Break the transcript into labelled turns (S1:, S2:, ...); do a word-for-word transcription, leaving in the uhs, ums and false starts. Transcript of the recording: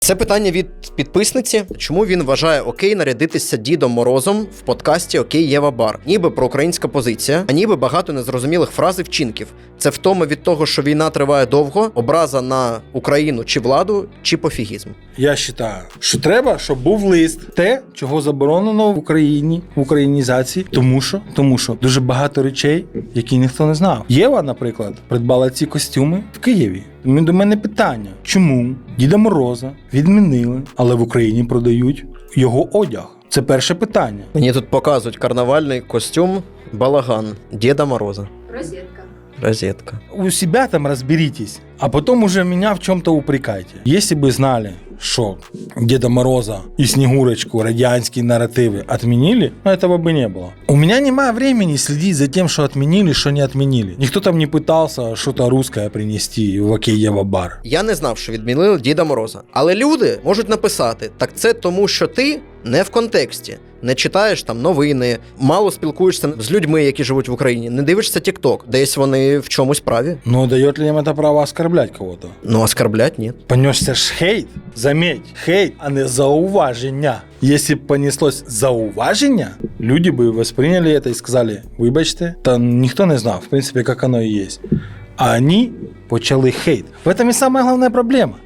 S1: Це питання від підписниці. Чому він вважає окей нарядитися Дідом Морозом в подкасті «Окей, Єва Бар»? Ніби проукраїнська позиція, а ніби багато незрозумілих фраз і вчинків. Це втома від того, що війна триває довго, образа на Україну чи владу, чи пофігізм?
S2: Я вважаю, що треба, щоб був лист. Те, чого заборонено в Україні, в українізації. Тому що, тому що дуже багато речей, які ніхто не знав. Єва, наприклад, придбала ці костюми в Києві. До мене питання, чому Діда Мороза відмінили, але в Україні продають його одяг? Це перше питання.
S1: Мені тут показують карнавальний костюм балаган Діда Мороза.
S3: Розетка.
S1: Розетка.
S2: У себя там разберитесь, а потом уже меня в чем-то упрекайте. Если бы знали, что Деда Мороза и Снегурочку радианские нарративы отменили, этого бы не было. У меня нема времени следить за тем, что отменили, что не отменили. Никто там не пытался что-то русское принести в «Окей, Єва Бар».
S1: Я не знав, що відмінили Діда Мороза. Але люди можуть написати, так це тому, що ти не в контексті. Не читаєш там новини, мало спілкуєшся з людьми, які живуть в Україні, не дивишся TikTok, десь вони в чомусь праві.
S2: Но дает ли им это право оскорблять кого-то?
S1: Ну, оскорблять ні.
S2: Понесся ж хейт. Заметь, хейт, а не зауваження. Если б понеслось зауваження, люди бы восприняли это и сказали, вибачте, та ніхто не знав, в принципі, як оно і є. А вони почали хейт. В этом і самая головная проблема.